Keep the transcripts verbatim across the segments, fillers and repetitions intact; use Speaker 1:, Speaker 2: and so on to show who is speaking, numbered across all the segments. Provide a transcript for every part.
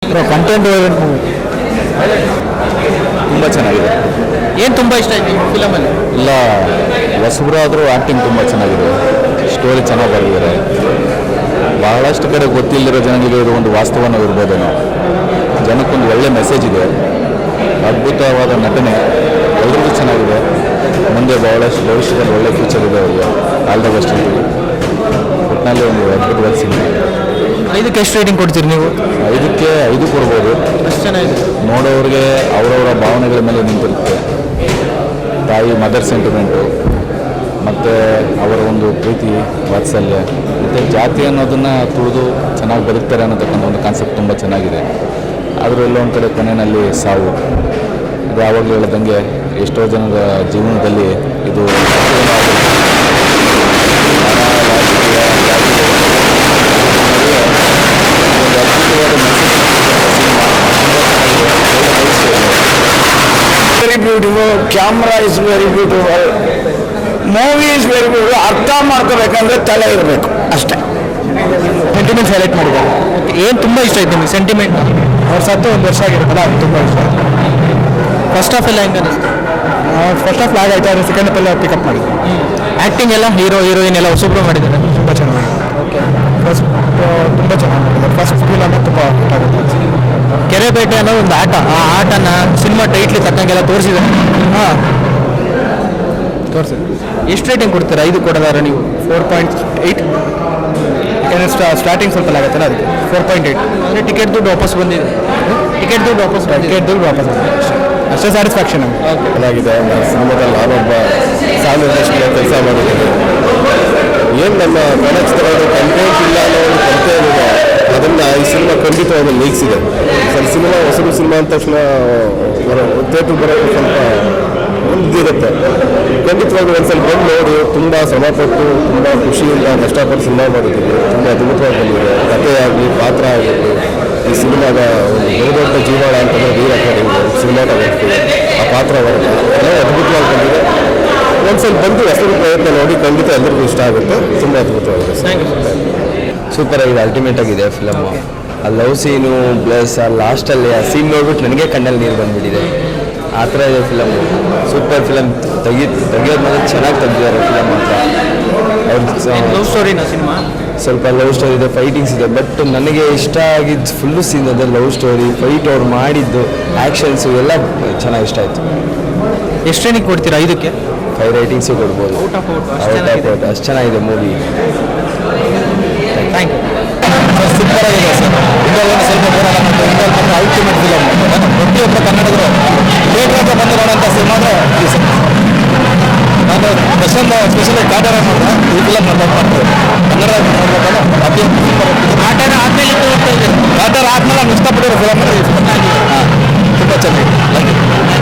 Speaker 1: Content movie
Speaker 2: ತುಂಬ ಚೆನ್ನಾಗಿದೆ.
Speaker 1: ಏನು ತುಂಬ ಇಷ್ಟ ಆಯ್ತು ಈ ಫಿಲಮಲ್ಲಿ?
Speaker 2: ಇಲ್ಲ ಹೊಸಬ್ರು ಆದರೂ ಆ್ಯಕ್ಟಿಂಗ್ ತುಂಬ ಚೆನ್ನಾಗಿದೆ, ಸ್ಟೋರಿ ಚೆನ್ನಾಗಿ ಬರೆದಿದ್ದಾರೆ. ಬಹಳಷ್ಟು ಕಡೆ ಗೊತ್ತಿಲ್ಲದಿರೋ ಜನಗಳಿಗೆ ಇದು ಒಂದು ವಾಸ್ತವನ ಇರ್ಬೋದೇನೋ. ಜನಕ್ಕೊಂದು ಒಳ್ಳೆ ಮೆಸೇಜ್ ಇದೆ, ಅದ್ಭುತವಾದ ನಟನೆ, ಎಲ್ಲರಿಗೂ ಚೆನ್ನಾಗಿದೆ. ಮುಂದೆ ಬಹಳಷ್ಟು ಭವಿಷ್ಯದಲ್ಲಿ ಒಳ್ಳೆ ಫ್ಯೂಚರ್ ಇದೆ ಅವರಿಗೆ. All the best. ಒಟ್ಟಿನಲ್ಲಿ ಒಂದು ಅದ್ಭುತವಾದ ಸಿನಿಮಾ.
Speaker 1: ಇದಕ್ಕೆ ಎಷ್ಟು ರೇಟಿಂಗ್ ಕೊಡ್ತೀರಿ ನೀವು?
Speaker 2: ಐದಕ್ಕೆ ಐದು ಕೊಡ್ಬೋದು.
Speaker 1: ಅಷ್ಟು ಚೆನ್ನಾಗಿದೆ.
Speaker 2: ನೋಡೋರಿಗೆ ಅವರವರ ಭಾವನೆಗಳ ಮೇಲೆ ನಿಂತಿರುತ್ತೆ. ತಾಯಿ ಮದರ್ ಸೆಂಟಿಮೆಂಟು ಮತ್ತು ಅವರ ಒಂದು ಪ್ರೀತಿ ವಾತ್ಸಲ್ಯ ಮತ್ತು ಜಾತಿ ಅನ್ನೋದನ್ನು ತುಳಿದು ಚೆನ್ನಾಗಿ ಬದುಕ್ತಾರೆ ಅನ್ನೋತಕ್ಕಂಥ ಒಂದು ಕಾನ್ಸೆಪ್ಟ್ ತುಂಬ ಚೆನ್ನಾಗಿದೆ. ಆದರೂ ಎಲ್ಲೊಂದು ಕಡೆ ಕೊನೆಯಲ್ಲಿ ಸಾವು. ಇದು ಯಾವಾಗಲೂ ಹೇಳದಂಗೆ ಎಷ್ಟೋ ಜನರ ಜೀವನದಲ್ಲಿ ಇದು
Speaker 3: very beautiful, camera is very beautiful, movie is very beautiful. ಅರ್ಥ ಮಾಡ್ಕೋಬೇಕಂದ್ರೆ ತಲೆ ಇರಬೇಕು ಅಷ್ಟೇ.
Speaker 1: ಸೆಂಟಿಮೆಂಟ್ ಹೈಲೈಟ್ ಮಾಡಿದ್ದಾರೆ. ಏನು ತುಂಬ ಇಷ್ಟ ಆಯ್ತು ನಿಮಗೆ ಸೆಂಟಿಮೆಂಟ್? ಅವ್ರು ಸತ್ತು ಒಂದು ವರ್ಷ ಆಗಿರುತ್ತಲ್ಲ, ಅದು ತುಂಬ ಇಷ್ಟ. ಫಸ್ಟ್ ಹಾಫ್ ಎಲ್ಲ ಹೆಂಗೆ ಅನ್ನಿಸ್ತು? ಫಸ್ಟ್ ಹಾಫ್ ಲಾಗ್ ಆಯ್ತು, ಆದರೆ ಸೆಕೆಂಡ್ ಹಾಫ್ ಎಲ್ಲ ಪಿಕಪ್ ಮಾಡಿದ್ರು. ಆ್ಯಕ್ಟಿಂಗ್ ಎಲ್ಲ ಹೀರೋ ಹೀರೋಯಿನ್ ಎಲ್ಲ ಹೊಸಬ್ರು ಮಾಡಿದ್ದಾರೆ, ತುಂಬ ಚೆನ್ನಾಗಿ. ಓಕೆ, ಫಸ್ಟ್ ತುಂಬ ಚೆನ್ನಾಗಿ ಮಾಡಿದ್ದಾರೆ. ಫಸ್ಟ್ ಫಿಲಮ್ ತುಂಬ ಆಗುತ್ತೆ. ಕೆರೆಬೇಟೆ ಅನ್ನೋ ಒಂದು ಆಟ, ಆ ಆಟನ ಸಿನಿಮಾ ಟೈಟ್ಲಿ ತಕ್ಕಂಗೆಲ್ಲ ತೋರಿಸಿದೆ. ಹಾಂ, ತೋರಿಸಿದೆ. ಎಷ್ಟು ರೇಟಿಂಗ್ ಕೊಡ್ತೀರಾ? ಐದು ಕೊಡೋದಾರ ನೀವು? Four point eight. ಯಾಕಂದರೆ ಸ್ಟಾರ್ಟಿಂಗ್ ಸ್ವಲ್ಪ ಆಗುತ್ತಲ್ಲ, ಅದಕ್ಕೆ ಫೋರ್ ಪಾಯಿಂಟ್ ಏಯ್ಟ್. ಅಂದರೆ ಟಿಕೆಟ್ ದುಡ್ಡು ವಾಪಸ್ ಬಂದಿದೆ. ಟಿಕೆಟ್ ದುಡ್ಡು ವಾಪಸ್ ಟಿಕೆಟ್ ದುಡ್ಡು ವಾಪಸ್ ಬಂದಿದೆ, ಅಷ್ಟೇ ಸ್ಯಾಟಿಸ್ಫ್ಯಾಕ್ಷನ್ ನಮಗೆ.
Speaker 2: ಚೆನ್ನಾಗಿದೆ. ಸಿನಿಮಾದಲ್ಲಿ ನಾನೊಬ್ಬ ಸಾಂಗ್ ಇಂಡಸ್ಟ್ರಿಯ ಕೆಲಸ ಮಾಡಿದ್ದೀನಿ. ಏನು ನಮ್ಮ ಕನ್ನಡ ಚಿತ್ರಗಳು ಕಂಟೆಂಟ್ ಇಲ್ಲ ಅನ್ನೋ ಒಂದು ಕೊರತೆ ಏನಿದೆ, ಅದನ್ನು ಈ ಸಿನಿಮಾ ಖಂಡಿತವಾಗಿ ನೀಗಿಸಿದೆ. ಸರ್, ಸಿನಿಮಾ ಹೊಸದು ಸಿನಿಮಾ ಅಂದ ತಕ್ಷಣ ಥಿಯೇಟ್ರ್ ಬರೋದು ಸ್ವಲ್ಪ ಒಂದಿರುತ್ತೆ. ಖಂಡಿತವಾಗಿ ಒಂದು ಸ್ವಲ್ಪ ಬಂದು ನೋಡಿ, ತುಂಬ ಶ್ರಮಪಟ್ಟು ತುಂಬ ಖುಷಿಯಿಂದ ಕಷ್ಟಪಟ್ಟು ಸಿನಿಮಾ ಮಾಡಿದ್ದೀವಿ. ತುಂಬ ಅದ್ಭುತವಾಗಿ ಬಂದಿದೆ. ಕಥೆಯಾಗಲಿ, ಪಾತ್ರ ಆಗಿರಲಿ, ಈ ಸಿನಿಮಾದ ಒಂದು ಬಹುದೊಡ್ಡ ಜೀವಾಳ ಅಂತಂದರೆ ವೀರ ಅಕಾಡೆಮಿ ಸಿನಿಮಾಟೋಗ್ರಫಿ, ಆ ಪಾತ್ರ ವರ್ಗ ಎಲ್ಲ ಅದ್ಭುತವಾಗಿ ಬಂದಿದೆ. ಒಂದು ಸ್ವಲ್ಪ ಬಂದು ಹೊಸದು ಪ್ರಯತ್ನ ನೋಡಿ, ಖಂಡಿತ ಎಲ್ಲರಿಗೂ ಇಷ್ಟ ಆಗುತ್ತೆ. ತುಂಬ ಅದ್ಭುತವಾಗಿದೆ.
Speaker 4: ಸೂಪರ್ ಆಗಿದೆ, ಅಲ್ಟಿಮೇಟ್ ಆಗಿದೆ ಫಿಲಮ್. ಆ ಲವ್ ಸೀನು ಪ್ಲಸ್ ಆ ಲಾಸ್ಟಲ್ಲಿ ಆ ಸೀನ್ ನೋಡ್ಬಿಟ್ಟು ನನಗೆ ಕಣ್ಣಲ್ಲಿ ನೀರು ಬಂದುಬಿಟ್ಟಿದೆ. ಆ ಥರ ಇದೆ ಫಿಲಮ್. Super film. ತೆಗಿ ತೆಗಿಯೋದು ಮಾತ್ರ ಚೆನ್ನಾಗಿ ತೆಗೆದಿದ್ದಾರೆ ಫಿಲಮ್ ಮಾತ್ರ. ಅವ್ರ
Speaker 1: ಲವ್ ಸ್ಟೋರಿನ ಸಿನಿಮಾ
Speaker 4: ಸ್ವಲ್ಪ ಲವ್ ಸ್ಟೋರಿ ಇದೆ, ಫೈಟಿಂಗ್ಸ್ ಇದೆ. ಬಟ್ ನನಗೆ ಇಷ್ಟ ಆಗಿದ್ದು ಫುಲ್ಲು ಸೀನ್ ಅದೇ ಲವ್ ಸ್ಟೋರಿ, ಫೈಟ್ ಅವ್ರು ಮಾಡಿದ್ದು, ಆ್ಯಕ್ಷನ್ಸು ಎಲ್ಲ ಚೆನ್ನಾಗಿ ಇಷ್ಟ ಆಯಿತು.
Speaker 1: ಎಷ್ಟು ರೇಟಿಂಗ್ ಕೊಡ್ತೀರಾ ಐದಕ್ಕೆ?
Speaker 4: ಫೈವ್ ರೇಟಿಂಗ್ಸು ಕೊಡ್ಬೋದು.
Speaker 1: Out of out
Speaker 4: out of out ಅಷ್ಟು ಚೆನ್ನಾಗಿದೆ ಮೂವಿ.
Speaker 1: Thank you.
Speaker 2: ಸೂಪರ್ ಆಗಿದೆ ಸರ್. ಇಂದೊಂದು ಸ್ವಲ್ಪ ಬರೋಣ ಮತ್ತು ಇಂದೊಂದು ಅಲ್ಟಿಮೇಟ್ ಫಿಲಮ್. ಪ್ರತಿಯೊಬ್ಬ ಕನ್ನಡಿಗರು ಥಿಯೇಟ್ರಿಗೆ ಬಂದು ನೋಡೋಂಥ ಸಿನಿಮಾ ಅಂದರೆ ನಾನು ಪ್ರಶಾಂತ್ ಸ್ಪೆಷಲಿ ಕಾಟರ ನೋಡಿದೆ, ಈ ಫಿಲಮ್ ನಾನು ಮಾಡ್ತೇವೆ. ಕನ್ನಡ ನೋಡ್ಬೇಕಲ್ಲ, ಅತಿ
Speaker 1: ಆಟನ ಆದಮೇಲೆ
Speaker 2: ಕಾಟರ ಆದ್ಮೇಲೆ ನಾನು ಇಷ್ಟಪಟ್ಟಿರೋ ಫಿಲಮ್ ಅಂದರೆ ಹಾಂ, ತುಂಬ ಚೆನ್ನಾಗಿದೆ.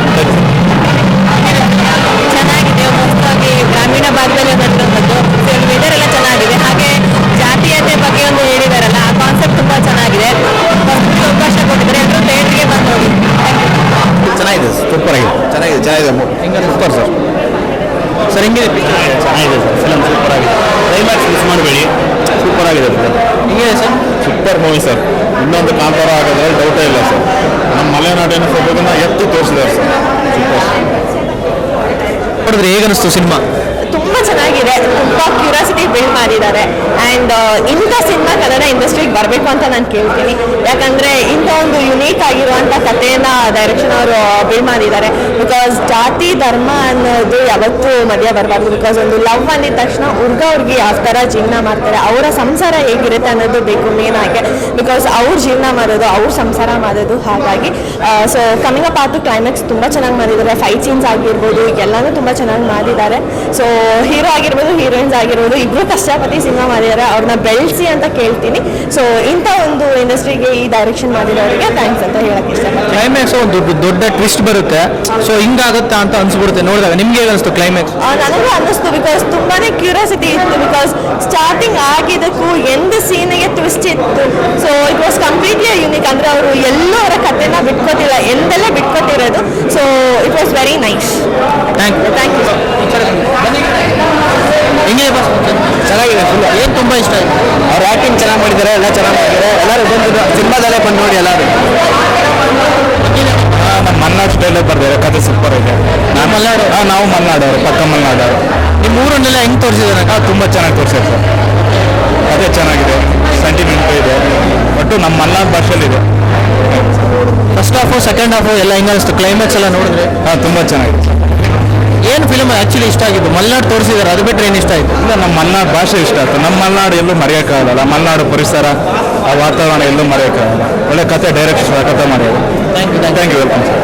Speaker 5: ಚೆನ್ನಾಗಿದೆ. ಹೊಸದಾಗಿ ಗ್ರಾಮೀಣ ಭಾಗದಲ್ಲಿ ಬಂದಿರುವಂಥದ್ದು ವೆದರ್ ಎಲ್ಲ ಚೆನ್ನಾಗಿದೆ. ಹಾಗೆ ಜಾತೀಯತೆ ಬಗ್ಗೆ ಒಂದು ಹೇಳಿದಾರಲ್ಲ, ಆ ಕಾನ್ಸೆಪ್ಟ್ ತುಂಬ ಚೆನ್ನಾಗಿದೆ. ಹೊಸದಾಗಿ ಅವಕಾಶ ಕೊಟ್ಟಿದ್ದಾರೆ, ಎಲ್ಲರೂ ಥಿಯೇಟ್ರಿಗೆ ಬಂದು ನೋಡಿ.
Speaker 2: ಚೆನ್ನಾಗಿದೆ, ಸೂಪರ್ ಆಗಿದೆ. ಚೆನ್ನಾಗಿದೆ ಚೆನ್ನಾಗಿದೆ ಸೂಪರ್ ಸರ್.
Speaker 1: ಸರ್ ಹೆಂಗಿದೆ?
Speaker 2: ಚೆನ್ನಾಗಿದೆ ಸರ್ ಫಿಲಮ್, ಸೂಪರ್ ಆಗಿದೆ. ಕ್ಲೈಮ್ಯಾಕ್ಸ್ ಮಿಸ್ ಮಾಡಬೇಡಿ, ಸೂಪರ್ ಆಗಿದೆ ಫಿಲಮ್.
Speaker 1: ಹೆಂಗಿದೆ ಸರ್?
Speaker 2: Super movie sir. ಇನ್ನೊಂದು ಕಾಂತಾರ ಆಗೋದ್ರೆ ಡೌಟೇ ಇಲ್ಲ ಸರ್. ನಮ್ಮ ಮಲೆನಾಡಿನ ಸೊಬಗನ್ನ ಎತ್ತಿ ತೋರಿಸಿದ್ದಾರೆ ಸರ್. ಸೂಪರ್.
Speaker 1: ನೋಡಿದ್ರೆ ಹೇಗನ್ನಿಸ್ತು ಸಿನಿಮಾ?
Speaker 5: ತುಂಬ ಚೆನ್ನಾಗಿದೆ. ತುಂಬ ಕ್ಯೂರಿಯಾಸಿಟಿ ಬಿಲ್ಡ್ ಮಾಡಿದ್ದಾರೆ. ಆ್ಯಂಡ್ ಇಂಥ ಸಿನಿಮಾ ಕನ್ನಡ ಇಂಡಸ್ಟ್ರಿಗೆ ಬರಬೇಕು ಅಂತ ನಾನು ಕೇಳ್ತೀನಿ. ಯಾಕಂದರೆ ಇಂಥ ಒಂದು ಯುನೀಕ್ ಆಗಿರುವಂಥ ಕಥೆಯನ್ನು ಡೈರೆಕ್ಷನ್ ಅವರು ಬಿಲ್ಡ್ ಮಾಡಿದ್ದಾರೆ. ಬಿಕಾಸ್ ಜಾತಿ ಧರ್ಮ ಅನ್ನೋದು ಯಾವತ್ತೂ ಮಧ್ಯ ಬರಬಾರ್ದು. ಬಿಕಾಸ್ ಒಂದು ಲವ್ ಅಂದಿದ ತಕ್ಷಣ ಹುಡುಗ ಹುಡುಗಿ ಯಾವ ಥರ ಜೀವನ ಮಾಡ್ತಾರೆ, ಅವರ ಸಂಸಾರ ಹೇಗಿರುತ್ತೆ ಅನ್ನೋದು ಬೇಕು ಮೇನ್ ಆಗಿ. ಬಿಕಾಸ್ ಅವ್ರ ಜೀವನ ಮಾಡೋದು, ಅವ್ರ ಸಂಸಾರ ಮಾಡೋದು. ಹಾಗಾಗಿ ಸೊ ಕಮಿಂಗ್ ಅಪ್ ಆತು ಕ್ಲೈಮ್ಯಾಕ್ಸ್ ತುಂಬ ಚೆನ್ನಾಗಿ ಮಾಡಿದ್ದಾರೆ. ಫೈಟ್ ಸೀನ್ಸ್ ಆಗಿರ್ಬೋದು, ಎಲ್ಲನೂ ತುಂಬ ಚೆನ್ನಾಗಿ ಮಾಡಿದ್ದಾರೆ. ಸೊ ಹೀರೋ ಆಗಿರ್ಬೋದು, ಹೀರೋಯಿನ್ಸ್ ಆಗಿರ್ಬೋದು, ಇಬ್ಬರು ಕಷ್ಟಪಟ್ಟು ಸಿನಿಮಾ ಮಾಡಿದ್ದಾರೆ. ಅವ್ರನ್ನ ಬೆಳೆಸಿ ಅಂತ ಕೇಳ್ತೀನಿ. ಸೊ ಇಂಥ ಒಂದು ಇಂಡಸ್ಟ್ರಿಗೆ ಈ ಡೈರೆಕ್ಷನ್ ಮಾಡಿರೋರಿಗೆ ಥ್ಯಾಂಕ್ಸ್ ಅಂತ ಹೇಳಕ್ಕೆ ಇಷ್ಟಪಡ್ತೀನಿ.
Speaker 1: ಕ್ಲೈಮ್ಯಾಕ್ಸ್ ಒಂದು ದೊಡ್ಡ ದೊಡ್ಡ ಟ್ವಿಸ್ಟ್ ಬರುತ್ತೆ. ಸೊ ಹಿಂಗಾಗುತ್ತಾ ಅಂತ ಅನ್ಸ್ಬಿಡುತ್ತೆ ನೋಡಿದಾಗ. ನಿಮ್ಗೆ ಹೇಗೆ ಅನಿಸ್ತು ಕ್ಲೈಮ್ಯಾಕ್ಸ್?
Speaker 5: ನನಗೂ ಅನ್ನಿಸ್ತು. ಬಿಕಾಸ್ ತುಂಬಾನೇ ಕ್ಯೂರಿಯಾಸಿಟಿ ಇತ್ತು. ಬಿಕಾಸ್ ಸ್ಟಾರ್ಟಿಂಗ್ ಆಗಿದ್ದಕ್ಕೂ ಎಂದ ಸೀನಿಗೆ ಟ್ವಿಸ್ಟ್ ಇತ್ತು. So it was completely unique. ಅಂದರೆ ಅವರು ಎಲ್ಲೂ ಅವರ ಕಥೆನ ಬಿಟ್ಕೊತಿಲ್ಲ, ಎಂದೆಲ್ಲ ಬಿಟ್ಕೊತಿರೋದು. So it was very nice.
Speaker 1: Thank you.
Speaker 5: Thank you.
Speaker 1: ಹೆಂಗಿದೆ ಬಸ್?
Speaker 4: ಚೆನ್ನಾಗಿದೆ ಫುಲ್.
Speaker 1: ಏನು ತುಂಬ ಇಷ್ಟ ಆಯಿತು?
Speaker 4: ಅವ್ರು ಆ್ಯಕ್ಟಿಂಗ್ ಚೆನ್ನಾಗಿ ಮಾಡಿದ್ದಾರೆ, ಎಲ್ಲ ಚೆನ್ನಾಗಿ ಮಾಡಿದ್ದಾರೆ. ಎಲ್ಲರೂ ಬಂದು ಸಿನಿಮಾದಲ್ಲೇ ಬಂದು ನೋಡಿ ಎಲ್ಲರೂ.
Speaker 1: ಮಲ್ನಾಡು ಸ್ಟೈಲಲ್ಲಿ ಬರ್ದಿದ್ದಾರೆ, ಕತೆ ಸೂಪರ್ ಇದೆ. ನಾವು ಮಲ್ನಾಡು ಹಾಂ ನಾವು ಮಲ್ನಾಡವರು, ಪಕ್ಕ ಮಲ್ನಾಡವರು. ನಿಮ್ಮ ಊರನ್ನೆಲ್ಲ ಹೆಂಗೆ ತೋರಿಸಿದ್ದಾರೆ? ಹಾಂ ತುಂಬ ಚೆನ್ನಾಗಿ ತೋರಿಸಿದ್ದಾರೆ ಸರ್. ಕತೆ ಚೆನ್ನಾಗಿದೆ, ಸೆಂಟಿಮೆಂಟ್ ಇದೆ, ಒಟ್ಟು ನಮ್ಮ ಮಲ್ನಾಡು ಭಾಷೆಯಲ್ಲಿದೆ. ಫಸ್ಟ್ ಹಾಫು ಸೆಕೆಂಡ್ ಹಾಫು ಎಲ್ಲ ಹೆಂಗೆ ಅನಿಸ್ತು? ಕ್ಲೈಮ್ಯಾಕ್ಸ್ ಎಲ್ಲ ನೋಡಿದ್ರೆ ಹಾಂ ತುಂಬ ಚೆನ್ನಾಗಿದೆ. ಏನು ಫಿಲ್ಮ್ ಆ್ಯಕ್ಚುಲಿ ಇಷ್ಟ ಆಗಿದ್ದು? ಮಲ್ನಾಡು ತೋರಿಸಿದ್ದಾರೆ, ಅದು ಬಿಟ್ಟರೆ ಏನು ಇಷ್ಟ ಆಯಿತು? ಇಲ್ಲ, ನಮ್ಮ ಮಲ್ನಾಡು ಭಾಷೆ ಇಷ್ಟ ಆಯಿತು. ನಮ್ಮ ಮಲ್ನಾಡು ಎಲ್ಲೂ ಮರೆಯೋಕ್ಕಾಗಲ್ಲ. ಮಲ್ನಾಡು ಪರಿಸರ, ಆ ವಾತಾವರಣ ಎಲ್ಲೂ ಮರೆಯೋಕ್ಕಾಗಲ್ಲ. ಒಳ್ಳೆ ಕತೆ, ಡೈರೆಕ್ಟ್ ಕತೆ ಮಾಡಿದ್ರು. Thank you thank you welcome sir.